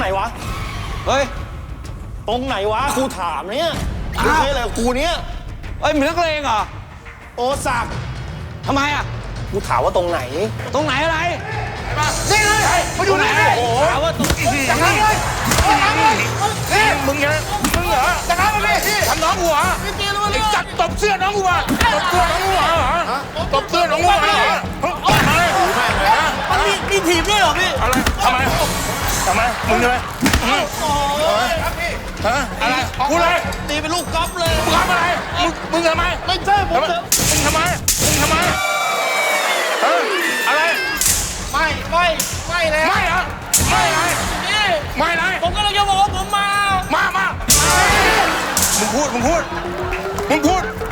วะเฮ้ยตรงไหนวะกูถามเนี่ยไม่ใช่อะไรกูเนี่ยเอ้ยมึงนักเลงเหรอโอศักดิ์ทำไมอ่ะกูถามว่าตรงไหนตรงไหนอะไรนี่เลยมาอยู่ไหนโอ้โหถามว่าตรงจากนั้นเลยนี่มึงเหรอจากนั้นมาดิทำน้องกูเหรอไอ้จัดตบเสื้อน้องกูมาตบเสื้อน้องกูเหรอตบเสื้อน้องกูเหรอมันมีถีบด้วยเหรอพี่อะไรทำไมมึงใช่ไหมฮะอะไรกูเลยตีเป็นลูกก๊อฟเลยมึงทำอะไรมึงทำไมไม่ใช่ผมมึงทำไมอะไรไม่เลยไม่เหรอไม่อะไรนี่ไม่อะไรผมก็เลยจะบอกว่าผมมามึงพูดดิมึง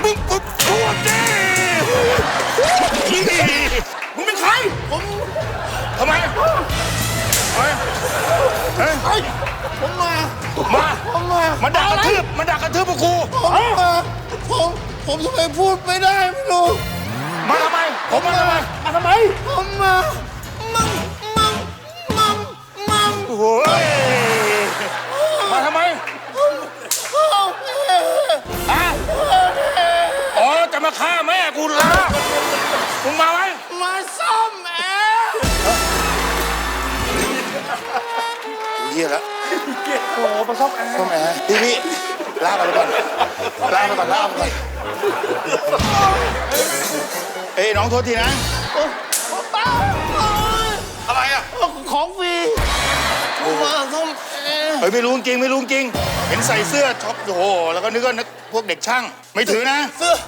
เป็นใครผมทำไมผมมาด่ากระทืบพวกกูผมทำไมพูดไม่ได้ไม่รู้มาทำไมผมมาทำไมผมมาโอ้ยมาทำไมอ๋อจะมาฆ่าแม่กูเหรอมึงมาไหมมาซ่อมแอร์เยี่ยแล้วโอ้มาซ่อมแอร์พี่ลากไปก่อนเอ้ยน้องโทษทีนะอะไรอ่ะของฟรีมาซ่อมเฮ้ยไม่รู้จริงเห็นใส่เสื้อช็อปโอ้โหแล้วก็นึกว่าพวกเด็กช่างไม่ถือนะเสื้อ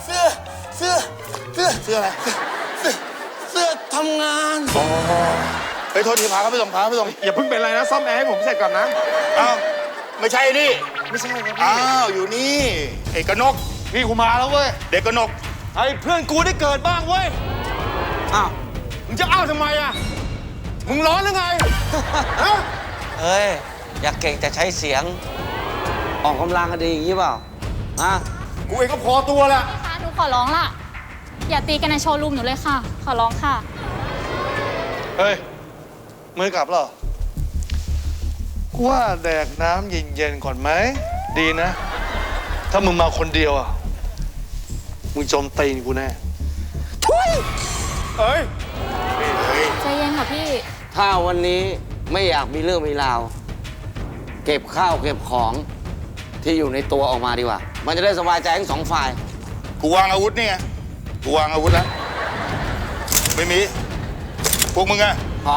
อะไรเสื้อทำงานเฮ้ยโทษทีพาเขาไปส่งอย่าเพิ่งเป็นไรนะซ่อมแอร์ให้ผมเสร็จก่อนนะอ้าวไม่ใช่นี่ไม่ใช่ครับอ้าวอยู่นี่ไอ้กนกพี่กูมาแล้วเว้ยเด็กกนกไอ้เพื่อนกูได้เกิดบ้างเว้ยอ้าวมึงจะอ้าวทำไมอ่ะมึงร้อนหรือไงฮะเฮ้ยอยากเก่งแต่ใช้เสียงออกกำลังก็ดีอย่างนี้เปล่าฮะกูเองก็พอตัวแหละค่ะหนูขอร้องล่ะอย่าตีกันในโชว์รูมหนูเลยค่ะขอร้องค่ะเฮ้ยมือกลับเหรอกูว่าแดกน้ำเย็นๆก่อนไหมดีนะถ้ามึงมาคนเดียวอ่ะมึงโจมตีนกูแน่ทุยเฮ้ยใจเย็นค่ะพี่ถ้าวันนี้ไม่อยากมีเรื่องมีราวเก็บข้าวเก็บของที่อยู่ในตัวออกมาดีกว่ามันจะได้สบายใจทั้งสองฝ่ายกูวางอาวุธนี่ไงกูวางอาวุธแล้วไม่มีพวกมึงอะของ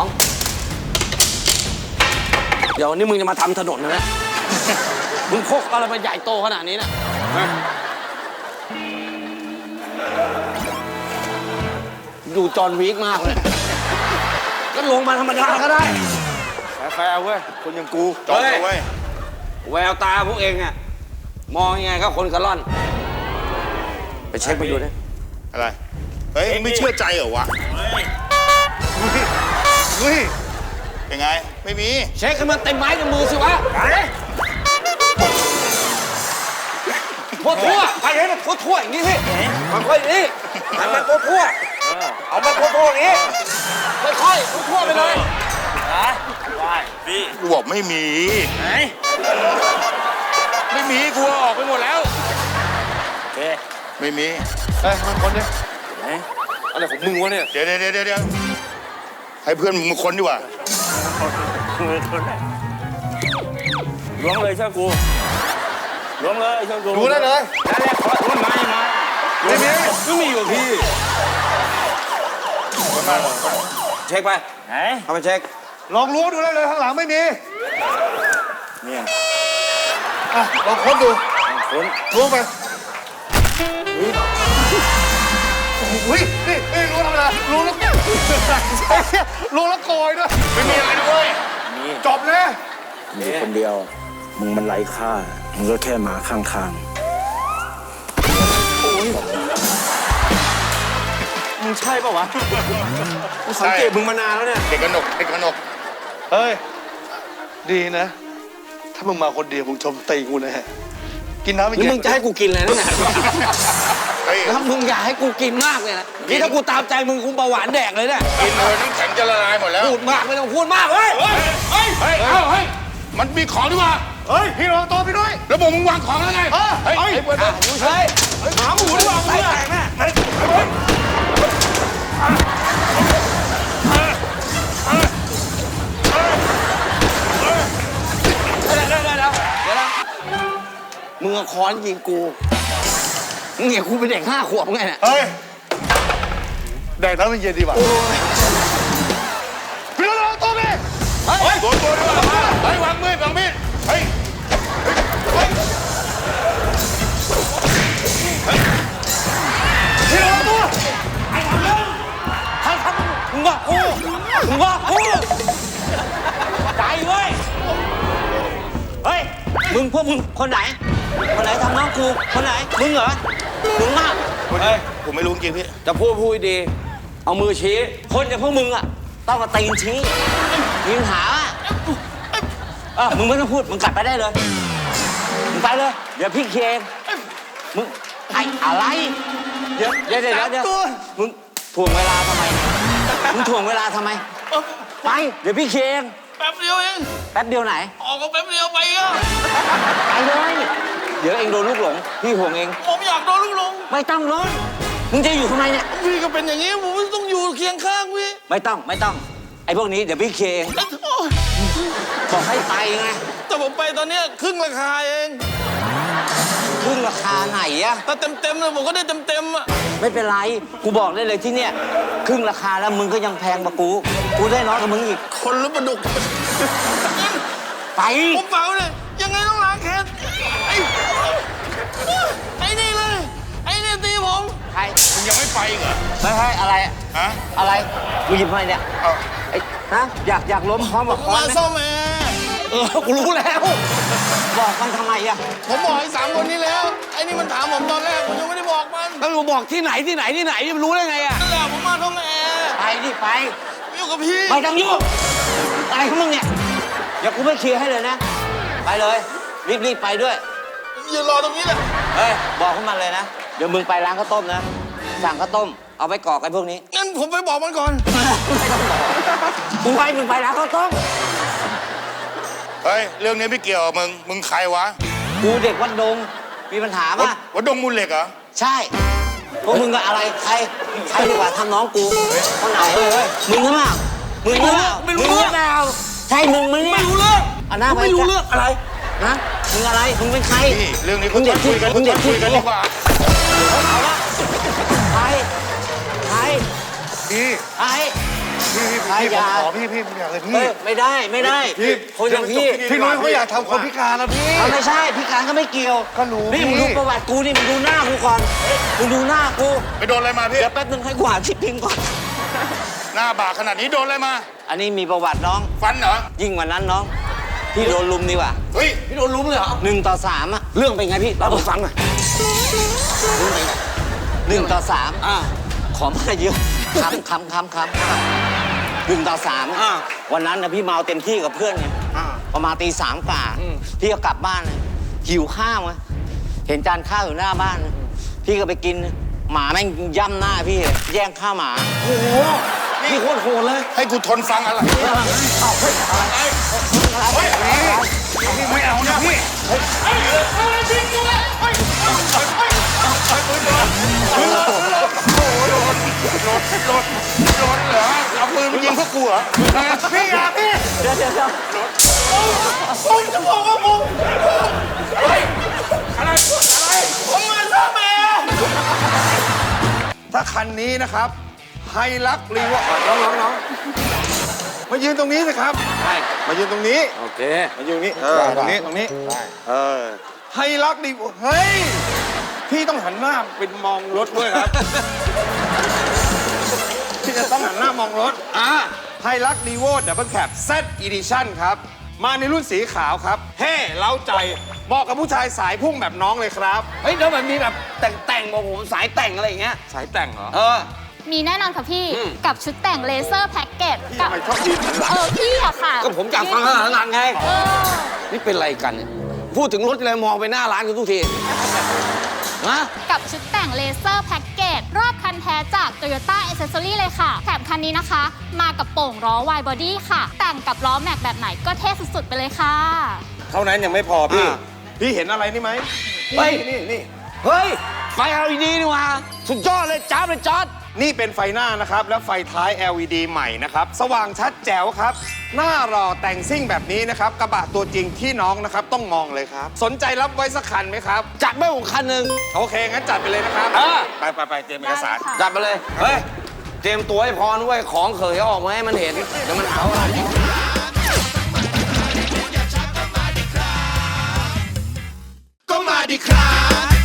เดี๋ยวนี้มึงจะมาทำถนนนะมึงพกอะไรมาใหญ่โตขนาดนี้นะดูจอห์นวิกมากเลยก็ลงมาธรรมดาก็ได้แฟร์เว้ยคนอย่างกูจอดเอาไว้แววตาพวกเองอะมองยังไงก็คนกระล่อนไปเช็คไปดูดิอะไรเฮ้ยไม่เชื่อใจเหรอวะเฮ้ยยังไงไม่มีเช็คให้มันเต็มไม้เต็มมือสิวะทั่วไปให้มันทั่วอย่างนี้สิมันค่อยนี้ให้มันทั่วเอามันทั่วอย่างนี้ค่อยทั่วไปเลยได้พี่กูบอกไม่มีไม่มีกูออกไปหมดแล้วไม่มีเฮ้ยมันคนเนี่ยอะไรของมึงวะเนี่ยเดี๋ยวให้เพื่อนมึงคนดีกว่าล้วงเลยเชื่อกูล้วงเลยเชื่อกูดูได้เลยนั่นแหละขอล้วงมาไม่มีอยู่พี่เช็คไปไหนเอาไปเช็คลองล้วงดูได้เลยข้างหลังไม่มีเนี่ยลองค้นดูล้วงไปอุ้ยนี่ล้วงทำอะไรล้วงแล้วโกยด้วยไม่มีอะไรด้วยจบเลยมีคนเดียวมึงมันไร้ค่ามึงก็แค่หมาข้างทางมึงใช่ป่าวะกูสังเกตมึงมานานแล้วเนี่ยเด็กกนกเฮ้ยดีนะถ้ามึงมาคนเดียวมึงชมตีกูนะฮะกินน้ำไม่กินมึงจะให้กูกินอะไรนั่นแหละแล้วมึงอยากให้กูกินมากเลยนะนี่ถ้ากูตามใจมึงกูเบาหวานแดกเลยเนี่ยกินเลยน้ำแข็งจะละลายหมดแล้วพูดมากไม่ต้องพูดมากเฮ้ยมันมีของดีกว่าเฮ้ย พี่รอตัวพี่ด้วยแล้วบอกมึงวางของแล้วไงเฮ้ยไอ้เบิร์ดเฮ้ยหาหมูดีกว่ามึงเนี่ยเดี๋ยวนะมึงเอาค้อนยิงกูมึงเห็นกูเป็นเด็ก5 ขวบไงเนี่ยเฮ้ย แดกน้ำเย็นดีกว่าพี่รอตัวพี่เฮ้ยตัวดีกว่าเฮ้ยวางมีดเฮ้ยพี่รอตัวมึงบอกกูใจเว้ยเฮ้ยพวกมึงคนไหนทำน้องกูคนไหนมึงเหรอมึงมากเฮ้ยผมไม่รู้จริงพี่จะพูดดี เอามือชี้ คนอย่างพวกมึงอ่ะต้องมาตีนชี้มีปัญหามึงไม่ต้องพูด มึงกลับไปได้เลย มึงไปเลย เดี๋ยวพี่เคลียร์เองมึงไอ้อะไร เดี๋ยวมึงถ่วงเวลาทำไม มึงถ่วงเวลาทำไม ไป เดี๋ยวพี่เคลียร์เองแป๊บเดียวเองแป๊บเดียวไหนออกก็แป๊บเดียวไปอ่ะไปเลย เดี๋ยวเองโดนลูกหลง พี่ห่วงเองผมอยากโดนลูกหลงไม่ต้องร้อนมึงจะอยู่ทำไมเนี่ยพี่ก็เป็นอย่างนี้ผมต้องอยู่เคียงข้างพี่ไม่ต้อง ไอ้พวกนี้เดี๋ยวพี่เคลียร์เองโอ้ยบอกให้ไปไงแต่ผมไปตอนเนี้ยครึ่งราคาเองครึ่งราคาไหนอะถ้าเต็มเลยผมก็ได้เต็มอ่ะไม่เป็นไร กูบอกได้เลยที่เนี่ยครึ่งราคาแล้วมึงก็ยังแพงกว่ากู กูได้น้อยกว่ามึงอีกคนหรือปลาดุกไปผมเปล่าเลยยังไงต้องล้างแค้นไอ้นี่เลยไอ้นี่ตีผมใครมึงยังไม่ไปอีกเหรอไม่ใช่อะไรอะฮะอะไรกูหยิบมาเนี่ยเอาไอ้ฮะอยากล้มพร้อมกับค้อนมาไหมซ่อมแอร์กูรู้แล้ว บอกมันทำไมอะผมบอกไอ้3 คนนี้แล้วไอ้นี่มันถามผมตอนแรกผมยังไม่ได้บอกมันแล้วกูบอกที่ไหนมันรู้ได้ไงอะนั่นแหละผมมาท่องแอร์ไปดิไปอยู่กับพี่ไม่ต้องยุ่งอะไรของมึงเนี่ยเดี๋ยวกูไม่เคลียร์ให้เลยนะ ไปเลย รีบไปด้วยยืนรอตรงนี้แหละเฮ้ย บอกพวกมันเลยนะ เดี๋ยวมึงไปร้านข้าวต้มนะ สั่งข้าวต้ม เอาไปกรอกไอ้พวกนี้งั้นผมไปบอกมันก่อนมึงไปร้านข้าวต้มเฮ้ยเรื่องนี้ไม่เกี่ยวกับมึงใครวะกูเด็กวัดดง มีปัญหาป่ะวัดดงมูลเหล็กเหรอใช่ พวกมึงก็อะไร ใครดีกว่าทำน้องกูคนไหนมึงหรือเปล่ามึงหรือเปล่าไม่รู้เรื่องใช่มึงมั้ยเนี่ยไม่รู้เรื่องเอาหน้าไปไม่รู้เรื่องอะไรนะมึงอะไร มึงเป็นใครนี่เรื่องนี้มึก็งต้เด็อก งที่คุยกันมึงเด็กที่คุยกันดีกว่าเอาละใครพี่ใครพี่ใครผมอย่าขอพี่ไม่อยากเลยพี่ไม่ได้พี่คนอย่างพี่พี่นุ้ยเขาอยากทำคนพิการนะพี่เอาไม่ใช่พี่การก็ไม่เกี่ยวก็รู้นี่มึงพี่ดูประวัติกูนี่มึงดูหน้ากูก่อนมึงดูหน้ากูไปโดนอะไรมาพี่เดี๋ยวแป๊บนึงให้กูหาที่พิงก่อนหน้าบากขนาดนี้โดนอะไรมาอันนี้มีประวัติน้องฟันเหรอยิ่งกว่านั้นน้อง พี่โดนลุมดีกว่าเฮ้ยพี่โดนลุมเลยเหรอ1-3อะเรื่องเป็นไงพี่เล่าให้ฟังหน่อยเรื่องเป็นไง1-3ขอมาเยอะคำ1-3วันนั้นนะพี่เมาเต็มที่กับเพื่อนไงประมาณตี 3 กว่าพี่ก็กลับบ้านเลยหิวข้าวไงเห็นจานข้าวอยู่หน้าบ้าน พี่ก็ไปกินหมาแม่งย่ำหน้าพี่แย่งข้าวหมาโอ้โหพี่โคตรโหดเลยให้กูทนฟังอะไรไม่เอานะพี่โดนเหรอเอาปืนมายิงพวกกูเหรอพี่อย่าพี่เดี๋ยวผมจะบอกว่าผมอะไรผมมาซ่อมแอร์ถ้าคันนี้นะครับไฮลักรีวอร์ดน้องมายืนตรงนี้สิครับ มายืนตรงนี้โอเคมายืนตรงนี้ตรงนี้ไฮลักรีวอร์ดเฮ้ยพี่ต้องหันหน้าเป็นมองรถด้วยครับ พี่จะต้องหันหน้ามองรถไฮลักรีวอร์ดดับเบิลแคป Z Edition ครับ มาในรุ่นสีขาวครับเฮ้เล้าใจเหมาะกับผู้ชายสายพุ่งแบบน้องเลยครับเฮ้ยแล้วมันมีแบบแต่งบอกผมสายแต่งอะไรอย่างเงี้ยสายแต่งเหรอมีแน่นอนค่ะพี่ กับชุดแต่งเลเซอร์แพ็กเกจพี่กัทำไมชอบยืนหันหลังพี่อะค่ะก็ผมอยากฟังขนาดนั้นไงเออนี่เป็นอะไรกันเนี่ยพูดถึงรถอะไรมองไปหน้าร้านกันทุกทีฮะกับชุดแต่งเลเซอร์แพ็กเกจรอบคันแท้จาก Toyota Accessory เลยค่ะ แถมคันนี้นะคะ มากับโป่งล้อ Wide Body ค่ะ แต่งกับล้อแม็กแบบไหนก็เท่สุดๆไปเลยค่ะเท่านั้นยังไม่พอพี่ พี่เห็นอะไรนี่ไหมเฮ้ยนี่เฮ้ย ไฟ LED นี่หว่าสุดยอดเลยจ้าบเลยจอดนี่เป็นไฟหน้านะครับ และไฟท้าย LED ใหม่นะครับ สว่างชัดแจ๋วครับ หน้ารอแต่งซิ่งแบบนี้นะครับ กระบะตัวจริงที่น้องนะครับ ต้องมองเลยครับ สนใจรับไว้สักคันไหมครับจัดไม่ผมคันหนึ่งโอเค งั้นจัดไปเลยนะครับเออไปเตรียมเอกสารได้ค่ะจัดไปเลย เฮ้ย เตรียมตัวให้พร้อมด้วยของเขยออกมาให้มันเห็น เดี๋ยวมันเอาอะไรก็มาดิครับ